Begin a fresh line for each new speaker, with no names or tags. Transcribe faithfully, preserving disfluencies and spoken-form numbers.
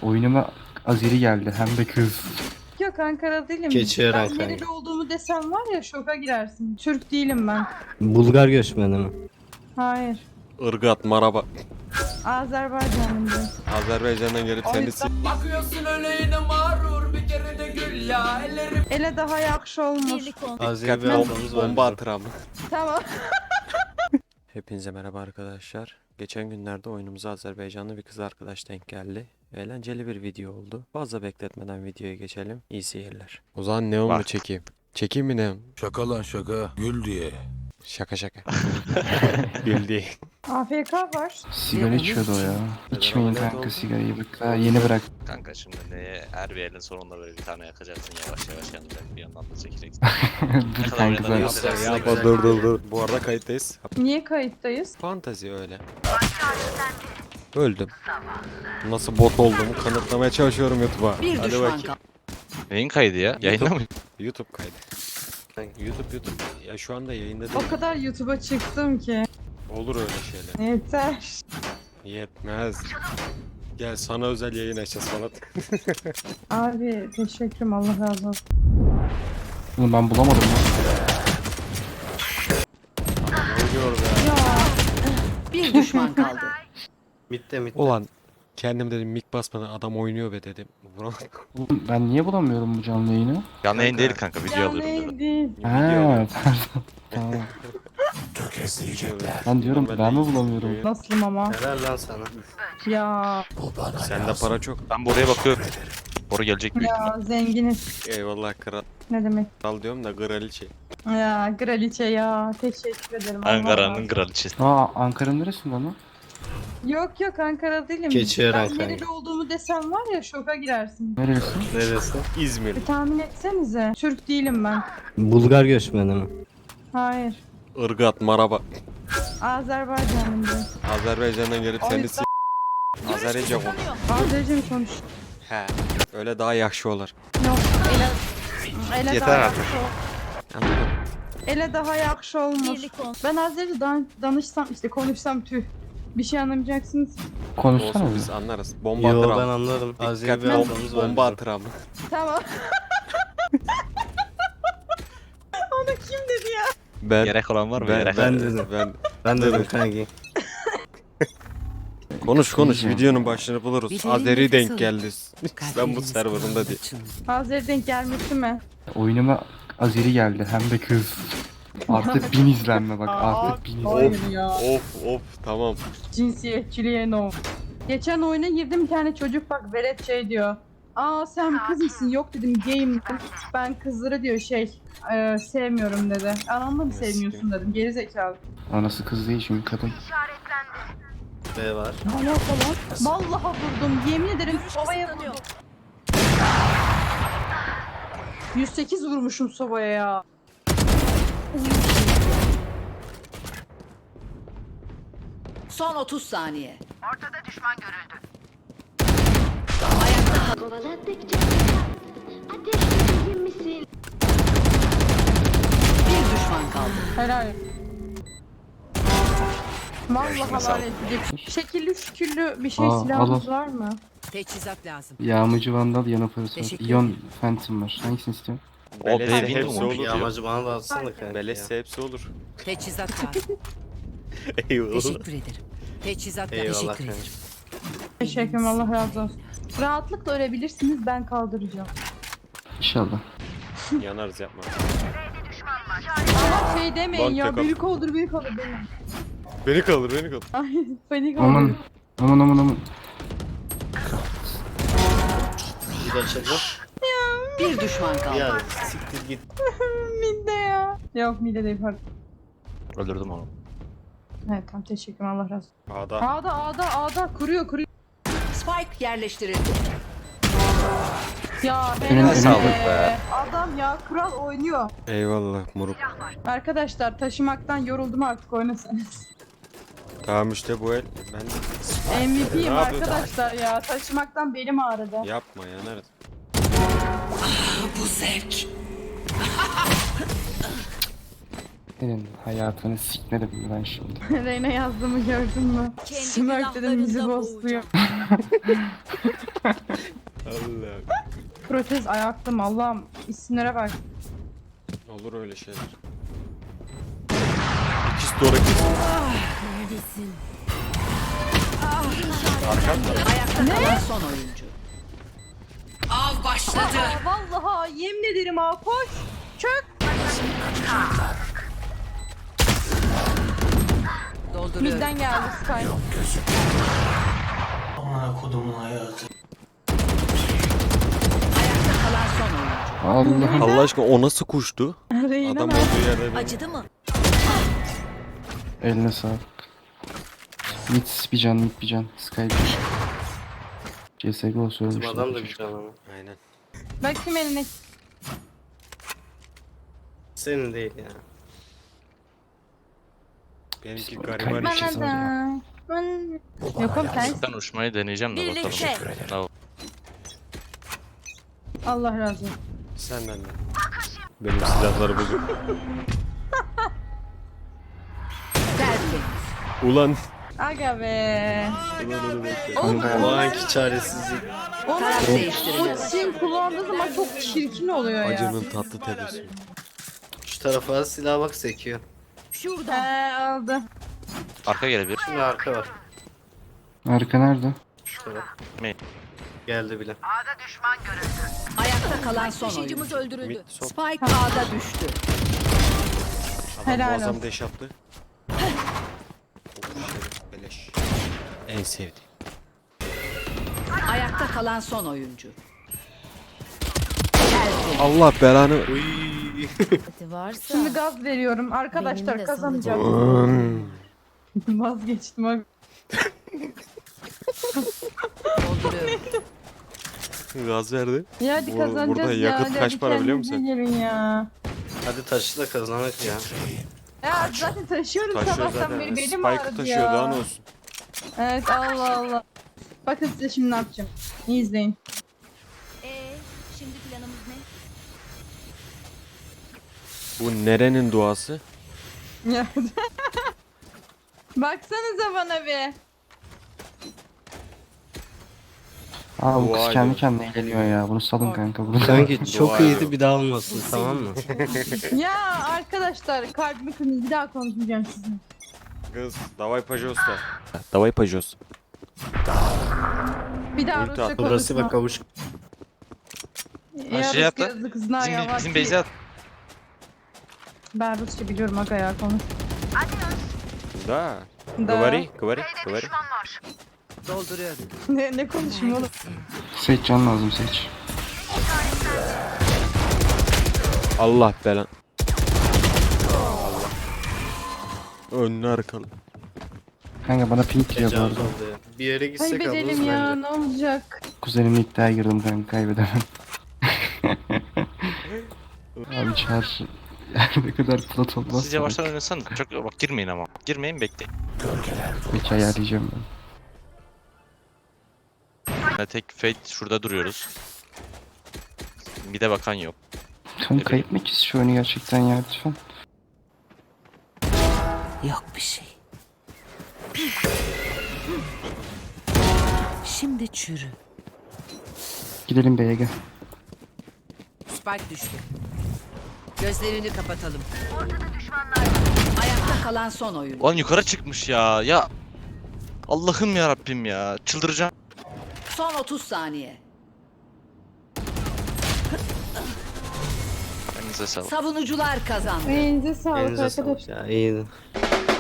Oyunuma Azeri geldi hem de kız.
Yok Ankara değilim.
Geçiyorum
Ben nereli olduğumu desem var ya şoka girersin. Türk değilim ben.
Bulgar göçmeni mi?
Hayır.
Irgat, maraba.
Azerbaycanlıyım.
Azerbaycan'dan gelip
O
seni
yüzden-
s-
Bakıyorsun öyle yine mağrur bir kere de gül ya ellerim.
Ele daha yakşı olmuş.
Azeri
Dikkatli
bir
ol,
ablamız var.
bomba atır abi.
Tamam.
Hepinize merhaba arkadaşlar. Geçen günlerde oyunumuza Azerbaycanlı bir kız arkadaş denk geldi. Eğlenceli bir video oldu. Fazla bekletmeden videoya geçelim. İyi seyirler. O zaman neon mu çekeyim? Çekeyim mi neon?
Şaka lan şaka. Gül diye.
Şaka şaka. Bildi.
A F K var.
Sigara içiyordu o ya. İçmeyin kanka sigarayı bak. Daha yeni bırak.
Kanka şimdi neye her bir elin sonunda böyle bir tane yakacaksın yavaş yavaş yanacak bir yandan da çekeceksin.
Dur
kadar
kanka
oynadığını
ben.
göstersin.
Yapma dur dur dur. Bu arada kayıttayız.
Niye kayıttayız?
Fantazi öyle. Öldüm. Nasıl bot olduğumu kanıtlamaya çalışıyorum YouTube'a.
Bir
Hadi
düşman
bakayım.
Neyin kaydı ya? Yayında mı?
YouTube kaydı. YouTube YouTube. Ya şu anda yayında
O
değil.
kadar YouTube'a çıktım ki.
Olur öyle şeyler.
Yeter.
Yetmez. Gel sana özel yayın açacağız falan.
Abi teşekkürüm, Allah razı olsun.
Oğlum ben bulamadım ya.
Ne oluyor be?
Ya
Bir düşman kaldı.
Mitte mitte.
Ulan kendim dedim mik basmadan adam oynuyor be dedim. Vuramadım.
Oğlum ben niye bulamıyorum bu canlı yayını?
Canlı yayın değil kanka video
ya
alıyorum dedim.
neydi?
Video
Ha
alıyorum.
pardon. Tamam. Ben diyorum ben mi bulamıyorum?
Nasılım ama?
Helal lan sana.
Ya
Sende para çok.
Ben buraya bakıyorum. Boru gelecek büyük ihtimal.
ya zenginiz.
Eyvallah kral,
Ne demek?
kral diyorum da kraliçe.
Ya kraliçe ya. Teşekkür ederim. Allah razı
Ankara'nın
olsun.
kraliçesi.
Aa Ankara'nın neresinde lan?
Yok yok Ankara değilim.
Geçiyorum
Ben
kanka.
nereli olduğumu desem var ya şoka girersin.
Neresi?
Neresi?
İzmir.
Bir tahmin etsenize. Türk değilim ben.
Bulgar göçmeni mi?
Hayır.
Irgat, maraba.
Azerbaycanlıyım.
Azerbaycan'dan gelip
O
seni
yüzden-
s- Azerice konuş.
Azerice mi konuş?
He. Öyle daha yakşı olur.
Yok. Ele, ele
Yeter
daha
artık.
yakşı ol-
Anladın?
Ele daha yakşı olmuş. Ben Azerice dan danışsam işte konuşsam tüh. Bir şey anlamayacaksınız.
Konuşsana
Olsun
bir.
biz anlarız. Bomba
Yo
atır
ben
abi.
anlarım. Azeri bir
Dikkatli ol.
ablamız var.
Bomba atır abi.
Tamam. Onu kim dedi ya?
Ben
Gerek olan var mı?
ben,
Gerek.
ben,
Ben dedim.
ben,
Ben dedim kanki.
konuş konuş
Diyeceğim.
videonun başını buluruz. Azeri denk geldi. Ben bu serverında değil.
Azeri denk gelmesi mi?
Oyunuma Azeri geldi hem de kız. Artı bin izlenme bak artı bin izlenme.
Hayır ya.
Of of tamam.
Cinsiyetçiliğe no. Geçen oyuna girdim, bir tane çocuk bak velet şey diyor. Aa sen kız mısın? Yok dedim gayim. Ben kızları diyor şey e, sevmiyorum dedi. Anamda mı sevmiyorsun dedim. Geri zekalı.
Anası kız değil şimdi kadın.
B var.
Ne alaka lan? Vallahi vurdum. Yemin ederim sobaya vurdum. yüz sekiz vurmuşum sobaya ya.
Son otuz saniye.
Kovaladıkça ateşli misin?
Bir düşman kaldı.
Helal. Vallahi helal edecek. Şekilli şüküllü bir şey
Aa,
silahımız
al.
var mı?
Teçhizat lazım.
Yağmacı Vandal yan operatör.
Teşekkür
Ion
ederim.
Phantom var. Hangisini istiyorsun?
O
Beleşse
B'ye
hepsi
bindim
olur
mu?
ya.
Yağmacı bana da atsana kanka.
Beleşse hepsi olur.
Teçhizat lazım.
Eyvallah.
Teşekkür ederim. Teçhizat lazım.
Eyvallah
Teşekkür
kanka.
ederim.
Teşekkürüm, Allah razı olsun. Rahatlıkla ölebilirsiniz, ben kaldıracağım.
İnşallah.
Yanarız yapma.
Ama şey demeyin
Lan
ya,
tek al.
büyük olur büyük olur demeyin.
Beni kaldır beni kaldır.
Ay panik
Aman
oldum.
aman aman aman.
Bir açıldı.
Bir düşman kaldı.
Ya siktir git.
Mide ya. Yok mide değil pardon.
Öldürdüm onu.
Evet tamam, teşekkürüm, Allah razı olsun.
A'da.
A'da A'da A'da kuruyor kuruyor.
Spike yerleştirildi.
Ya
Önüne-
helal
önüne-
Sağlık be.
Adam ya kural oynuyor.
Eyvallah moruk.
Arkadaşlar taşımaktan yoruldum, artık oynasanız.
Tamam işte bu el. Ben de
M V P'yim
Ne yapıyorsun?
arkadaşlar ya, taşımaktan belim ağrıdı.
yapma yanarız.
Bu zevk.
Senin hayatını sikmedim ben şimdi.
Reyna yazdığımı gördün mü? Smirk dedim, bizi bozuyor. protez ayaktım Allah'ım. İsimlere bak.
Olur öyle şeyler. İkiz doğru ikiz.
Ayakta kalan son oyuncu. Av başladı.
Aa, vallahi yemin ederim ha koş. Çök.
Dolduruyorum.
Midden geldi Sky.
Ayakta kalan son oyuncu.
Allah'ım.
Allah aşkına o nasıl kuştu?
Reyna
Adam
ne?
olduğu yerde bir-
Acıdı mı?
Eline sağlık. Mid bir can, mid bir can. Sky bir can. C S G O
Bizim
söylemişler.
adam da bir can ama.
Aynen.
Bakayım eline.
Senin değil ya.
Benimki
Sonra
gariban
kaybedeceğiz.
işi.
Bana da. Ben- Yok oğlum sen.
Ben uçmayı deneyeceğim de bakalım.
Birlikte.
Tamam.
Allah razı olsun.
Senden de. Benim silahları buldum.
Tertemiz.
Ulan.
Aga be.
Ulan onu bekle.
Kanka
O anki çaresizlik.
Taraf değiştiriliyor.
Ultim kullandığı zaman çok çirkin oluyor ya.
Acının tatlı tebessümü.
Şu tarafa silah bak sekiyor.
He aldı.
Arka gelebilir.
Şimdi arka var.
Arka nerede?
Şu taraf.
Ne?
Geldi bile.
Ayakta kalan son oyuncu.
Mid son.
Spike A'da düştü.
Adam
Helal
muazzam
olsun.
deş yaptı. Oh, şerif, beleş. En sevdiğim.
Ayakta kalan son oyuncu. Tertemiz.
Allah belanı.
Uy.
Varsa
Şimdi gaz veriyorum. Arkadaşlar
Benim de
kazanacağım.
Hmm.
Vazgeçtim abi.
Dolduruyorum.
Gaz verdi.
Ya hadi
Bu-
kazanacağız
burada
ya.
yakıt
hadi,
kaç
hadi
para biliyor
kendinize
musun?
Gelin ya.
Hadi taşı da kazanak ya.
Ya zaten taşıyorum
Taşıyor
sabahtan
zaten.
beri. Belim
Spike
ağrıdı
taşıyor
ya.
daha ne olsun.
Evet Allah Allah. Bakın size şimdi ne yapacağım. İyi izleyin.
Ee, şimdi planımız ne?
Bu nerenin duası?
Ya. Baksanıza bana bir.
Aa bu kız
Vay
kendi
be.
kendine eğleniyor ya. Bunu salın kanka. Bunu
Kanki
Dua
çok
ediyorum.
iyiydi bir daha olmasın tamam mı?
Ya arkadaşlar kalbimi kırmızı bir daha konuşmayacağım sizinle.
Kız, davay pajosta. Davay pajos.
Bir daha
Ulti
Rusça
at.
Burası
konuşma.
bak kavuş.
Ya
şey yap
Rusça
lan.
yazdı kızına ya.
Bizim,
bak
bizim
ki-
Beyza
Ben Rusça biliyorum aga ya konuş.
Da.
Da.
Говори, говори, говори.
Dolduruyorum.
Ne, ne konuşayım oğlum?
Seç can lazım seç.
Allah belan. Allah. Önlü arkalı.
Kanka bana pink giriyor bu
Tecavüz
arada.
oldu ya. Bir yere gitsek
Kaybedelim
ablamız
ya
bence.
ne olacak?
Kuzenimle iddiaya girdim kanka kaybedemem. Abi çağır. Ne kadar plat olmaz.
siz yavaştan oynasanız. Çok bak girmeyin ama. Girmeyin bekleyin.
Peki ayarlayacağım ben.
Yani tek fate şurada duruyoruz. Bir de bakan yok.
Kanka kaybetmek şu oyunu gerçekten ya lütfen.
Yok bir şey. Şimdi çürü.
Gidelim B'ye gel.
Spike düştü. Gözlerini kapatalım. Ayakta kalan son oyuncu.
Lan yukarı çıkmış ya. Ya Allah'ım ya Rabbim ya. Çıldıracağım.
Son otuz saniye.
Elinize sağlık.
Savunucular kazandı.
Elinize sağlık
Elinize
arkadaşlar.
sağlık ya iyiydi.